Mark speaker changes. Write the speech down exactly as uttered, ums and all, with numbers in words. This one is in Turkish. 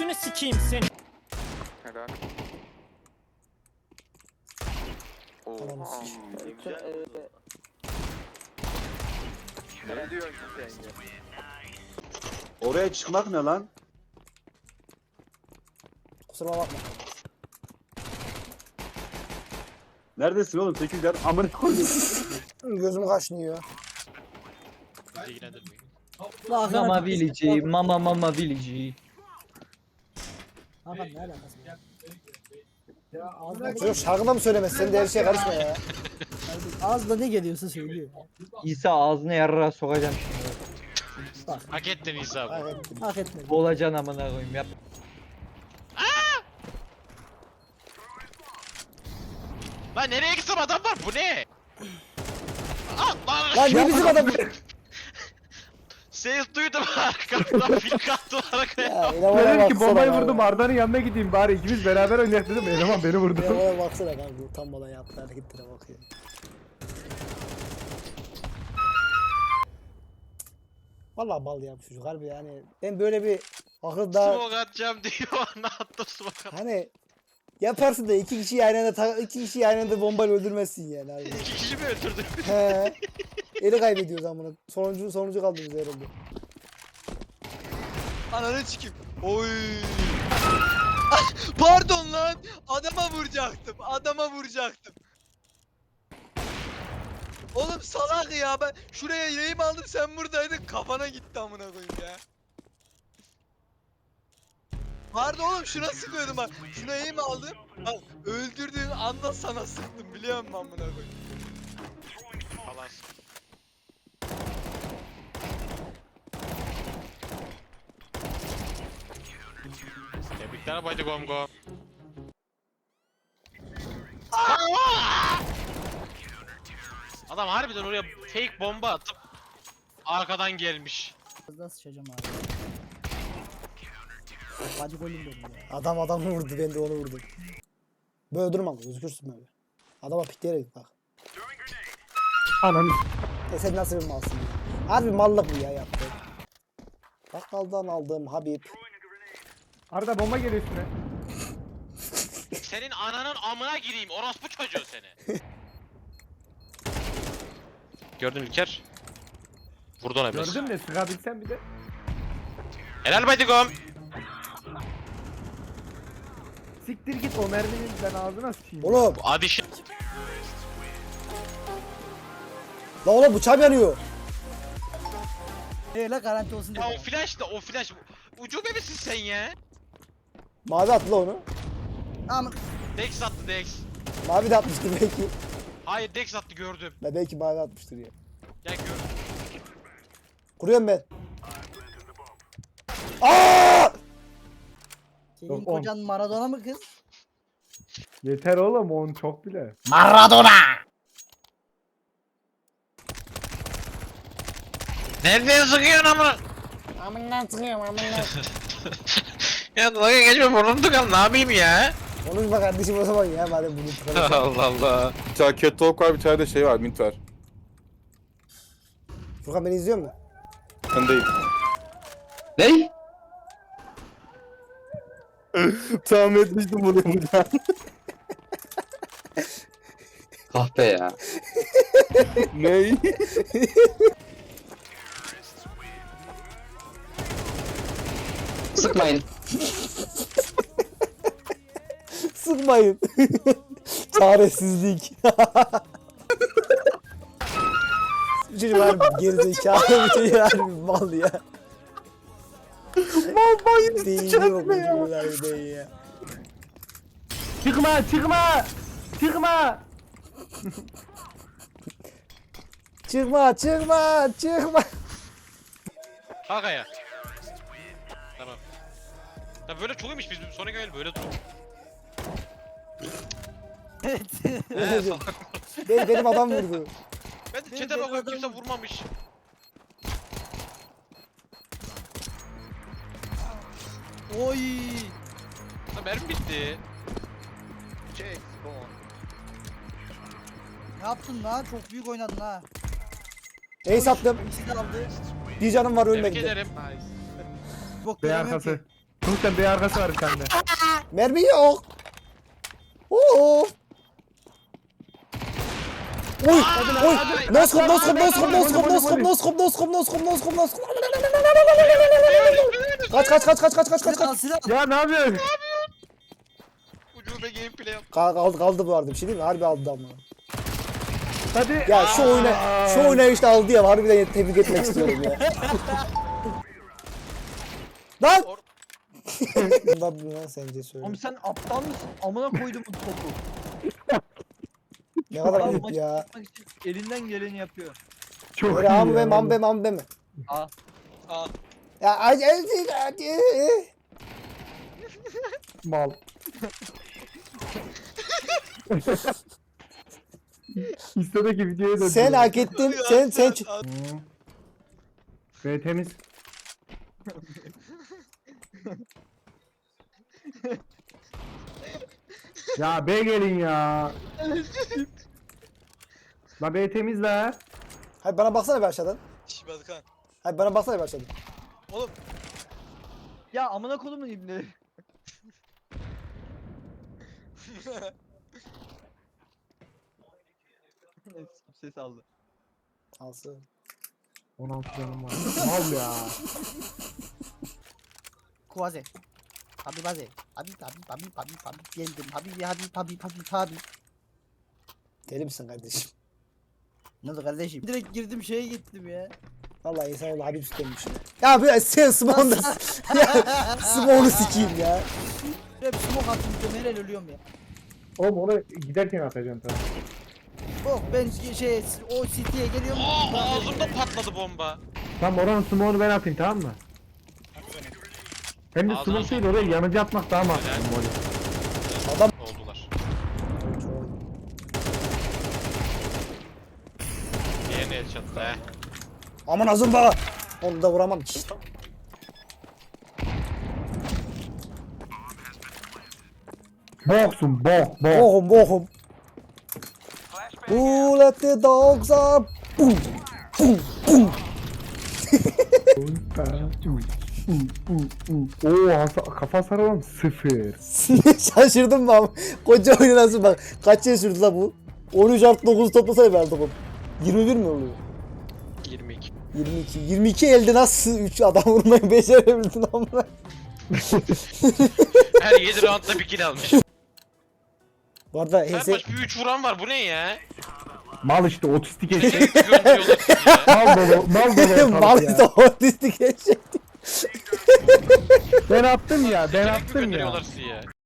Speaker 1: götünü sikeyim seni.
Speaker 2: Helal.
Speaker 3: Tamam.
Speaker 2: Oha. Ne diyorsun sen ya?
Speaker 4: Oraya çıkmak ne lan?
Speaker 3: Kusura bakma.
Speaker 4: Neredesin oğlum? sekiz yer amına koyayım.
Speaker 3: Gözüm kaşınıyor.
Speaker 5: Mama Village, Mama Mama Village.
Speaker 3: Hakan ne alakası var? Çocuk şarkıda mı söylemez? Sen de her şeye karışma ya.
Speaker 6: Ağzına ne geliyorsa söylüyor.
Speaker 5: İsa ağzına yarrağa sokacağım şimdi.
Speaker 7: Hak ettin İsa bu.
Speaker 3: Evet.
Speaker 6: Hak etmedi.
Speaker 5: Olacaksın amına koyayım yap.
Speaker 7: Lan nereye gitsem adam var, bu ne? Ah lan!
Speaker 3: Lan ne bizim adam?
Speaker 7: Ses duydum arkamdan fil kattı arkaya.
Speaker 3: Ya elemana
Speaker 8: Dedim ki
Speaker 3: baksana
Speaker 8: bombayı
Speaker 3: kanka.
Speaker 8: vurdum Arda'nın yanına gideyim bari ikimiz beraber oynayalım dedim. Eleman beni vurdu.
Speaker 3: Elemana baksana kanka. Utanmadan yaptığı hareketlere bakıyor. Vallahi mal ya bu çocuk harbi yani. Ben böyle bir akıl daha
Speaker 7: Smoke atacağım diyor, ne attım smoke attım.
Speaker 3: hani yaparsın da iki kişiyi aynı anda ta- iki kişiyi aynı anda bombayla öldürmezsin yani abi.
Speaker 7: İki kişi mi öldürdü?
Speaker 3: He. Eli kaybediyoruz amına. Sonuncu sonuncu kaldınız herhalde.
Speaker 9: Ananı sikeyim. Oy. Pardon lan. Adama vuracaktım. Adama vuracaktım. Oğlum salak ya, ben şuraya yayım aldım, sen buradaydın, kafana gitti amına koyayım ya. Pardon oğlum, şuna sıkıyordum bak. Şuna yayım aldım. Bak öldürdüğün anda sana sıktım, biliyor musun amına koyayım?
Speaker 7: Falan. Tebrikler Baydı Gom Gom. Adam harbiden oraya fake bomba atıp arkadan gelmiş.
Speaker 6: Ağzına sıçacağım abi. Hadi golüm benim ya.
Speaker 3: Adam adamı vurdu, ben de onu vurdum. Böyle durma, gözükürsün böyle. Adama pikleyerek bak.
Speaker 8: Ananı.
Speaker 3: E sen nasıl bir malsın ya? Harbi mallık bu ya yaptı. Bakkaldan aldığım Habib.
Speaker 8: Arda bomba geliyor üstüne.
Speaker 7: Senin ananın amına gireyim, orospu çocuğu seni. Gördün İlker. Vurdu ona biraz.
Speaker 8: Gördün mü? Sıkabilsen bir de.
Speaker 7: Helal Baydı Gom.
Speaker 8: Siktir git o merminin ben ağzına sıçayım.
Speaker 3: Oğlum,
Speaker 7: Hadi şey.
Speaker 3: la oğlum bıçağım yanıyor.
Speaker 6: Öyle garanti olsun
Speaker 7: Ya o
Speaker 6: dedim.
Speaker 7: flash da o flash. Ucube misin sen ya?
Speaker 3: Mavi attı la onu.
Speaker 6: Ama
Speaker 7: Dex attı Dex.
Speaker 3: Mavi de atmıştır belki.
Speaker 7: Hayır Dex attı gördüm.
Speaker 3: Ben belki mavi atmıştır ya.
Speaker 7: Gel gördüm.
Speaker 3: Kuruyorum ben. Aa!
Speaker 6: senin
Speaker 8: Yok, on.
Speaker 6: kocan Maradona mı kız?
Speaker 8: Yeter oğlum on çok bile.
Speaker 7: Nereden sıkıyorsun amına?
Speaker 3: Amından sıkıyorum amından.
Speaker 7: Ya dalga geçme, burnum tıkan, ne yapayım ya?
Speaker 3: Konuşma kardeşim o zaman ya madem bunu tıkalım.
Speaker 7: Allah Allah.
Speaker 2: Bir tane cat talk var, bir tane de şey var, mint var.
Speaker 3: Furkan beni izliyor mu?
Speaker 2: Ben değil.
Speaker 5: Ney?
Speaker 2: Tahmin etmiştim bunu buradan.
Speaker 5: Kahpe ya.
Speaker 2: Ney?
Speaker 5: Sıkmayın.
Speaker 3: Sıkmayın. Çaresizlik. Bir çocuk var bir gerizekalı bir çocuk var bir mal ya.
Speaker 8: Mal bayını
Speaker 3: Değil
Speaker 8: sıçacak
Speaker 3: yok bu
Speaker 8: ne ya?
Speaker 3: çocuklar bir değil ya.
Speaker 8: Çıkma çıkma. Çıkma.
Speaker 3: Çıkma çıkma çıkma.
Speaker 7: Kalk ayağa. Tamam. Ya böyle çok iyiymiş, biz sonra gelelim böyle dur. He, salak.
Speaker 3: Benim, benim adam vurdu.
Speaker 7: Ben de
Speaker 6: Benim
Speaker 7: çete bakıyorum,
Speaker 6: adam-
Speaker 7: kimse vurmamış.
Speaker 6: Oy.
Speaker 7: Lan mermi bitti.
Speaker 6: Ne yaptın lan? Çok büyük oynadın ha.
Speaker 3: Ace attım.
Speaker 6: İkisi de aldı.
Speaker 3: Bir canım var
Speaker 7: Tebrik
Speaker 3: ölmedi.
Speaker 7: ederim.
Speaker 6: Bok
Speaker 8: B
Speaker 6: göremiyorum
Speaker 8: arkası.
Speaker 6: ki.
Speaker 8: Sonuçta bir arkası var sende.
Speaker 3: Mermi yok. Oo. Oy, oy. Noskop, noskop, noskop, noskop, noskop, noskop, noskop, noskop, noskop, noskop. Kaç, kaç, kaç, kaç, kaç, kaç, kaç,
Speaker 6: Silah al
Speaker 3: kaç.
Speaker 6: silah.
Speaker 8: Ya ne yapıyorsun?
Speaker 7: Ucube gameplay yap.
Speaker 3: Ka- Kaldı, kaldı bu arada bir şey değil mi? Harbi aldı ama.
Speaker 8: Hadi.
Speaker 3: Ya şu oyuna, şu oyuna işte aldı ya. Harbiden tebrik etmek istiyorum ya. Lan! Bundan bu lan sence söyle.
Speaker 5: Oğlum sen aptal mısın? Amına koydum bu topu.
Speaker 3: Ne kadar
Speaker 5: Adam
Speaker 3: ayıp
Speaker 5: maçı
Speaker 3: ya.
Speaker 5: yapmak için elinden geleni yapıyor.
Speaker 8: Çok
Speaker 3: Böyle
Speaker 8: iyi
Speaker 3: ambe
Speaker 8: ya.
Speaker 3: mambe mambe mi?
Speaker 5: Aa.
Speaker 9: Aa.
Speaker 3: Ya hadi hadi hadi.
Speaker 8: Mal. İstedeki videoya da.
Speaker 3: Sen hak ettin. Sen sen
Speaker 8: Ve temiz. Ya B gelin ya. La B temiz la.
Speaker 3: Hayır bana baksana bir aşağıdan.
Speaker 9: Şş Batıkan.
Speaker 3: Hayır bana baksana bir aşağıdan.
Speaker 9: Oğlum
Speaker 5: Ya amına kodumun ibneleri. Ses aldı.
Speaker 3: Alsın.
Speaker 8: on altı canım var. Mal ya.
Speaker 6: Kuvaze. Tabi baze. Tabi tabi tabi tabi tabi. Geldim. Tabi hadi tabi tabi tabi.
Speaker 3: Deli misin kardeşim?
Speaker 6: Ne oldu kardeşim? Direkt girdim şeye gittim ya.
Speaker 3: Vallahi insan Habib sütlenmiş. Ya bir sen Smoke'u da ya Smoke'u sikeyim ya.
Speaker 6: Hep smoke attım diyorum helal ölüyorum ya.
Speaker 8: Oğlum onu giderken atacağım tabii.
Speaker 6: Oh ben şey o city'ye geliyorum.
Speaker 7: Aa ağzımda patladı bomba.
Speaker 8: Tamam oranın smoke'unu ben atayım tamam mı? Hem de
Speaker 7: Ağzına
Speaker 8: smoke değil oraya yanıcı atmak daha mantıklı.
Speaker 7: Helal. Oldular. Diğerine headshot he.
Speaker 3: Aman azım bana. Onu da vuramam ki.
Speaker 8: Boksun bok bok.
Speaker 3: Bohum bohum. Who let the dogs out? Boom. Boom. Boom.
Speaker 8: Oo hasa- kafa saralım sıfır.
Speaker 3: Şaşırdım ben. Koca oyunu nasıl bak. Kaç yıl sürdü la bu? on üç artı dokuz toplasaydı verdik oğlum. yirmi bir mi oluyor?
Speaker 7: yirmi iki.
Speaker 3: yirmi iki. yirmi iki elde nasıl üç adam vurmayı becerebildin amına?
Speaker 7: Her yedi roundda bir kill almış.
Speaker 3: Bu arada
Speaker 7: Her
Speaker 3: H S...
Speaker 7: maç bir üç vuran var bu ne ya?
Speaker 8: Mal işte otistik eşek.
Speaker 7: Gönderiyorlar sizi ya.
Speaker 8: Mal dolu mal dolu
Speaker 3: Mal
Speaker 8: ortalık
Speaker 3: işte
Speaker 8: ya.
Speaker 3: otistik eşek.
Speaker 8: Ben attım ya ben
Speaker 7: Direkt mi
Speaker 8: attım ya.
Speaker 7: gönderiyorlar sizi ya?